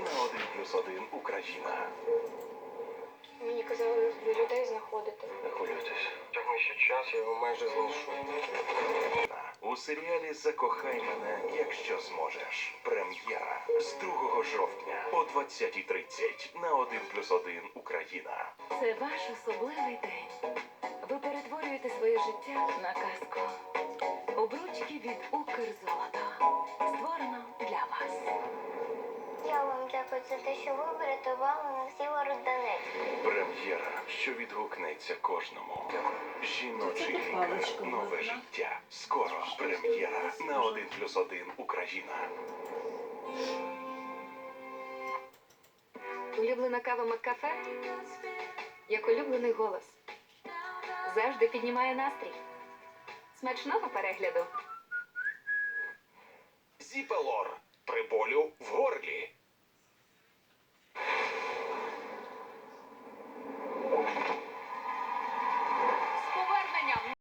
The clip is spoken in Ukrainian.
на 1+1 Україна. Мені казали, люблю людей знаходити. Не хвилюйтесь. Тягне ще час, я його майже знайшов. У серіалі «Закохай мене, якщо зможеш». Прем'єра з 2 жовтня о 20:30 на 1+1 Україна. Це ваш особливий день. Ви перетворюєте своє життя на казку. Обручки від Укрзолота. Створено для вас. Я вам дякую за те, що ви врятували нас Сєвєродонецьк. Прем'єра, що відгукнеться кожному. Жіночий лікар. Нове життя. Скоро прем'єра на 1+1 Україна. Улюблена кава Маккафе? Як улюблений голос. Завжди піднімає настрій. Смачного перегляду. Зіпелор. При болю в горлі.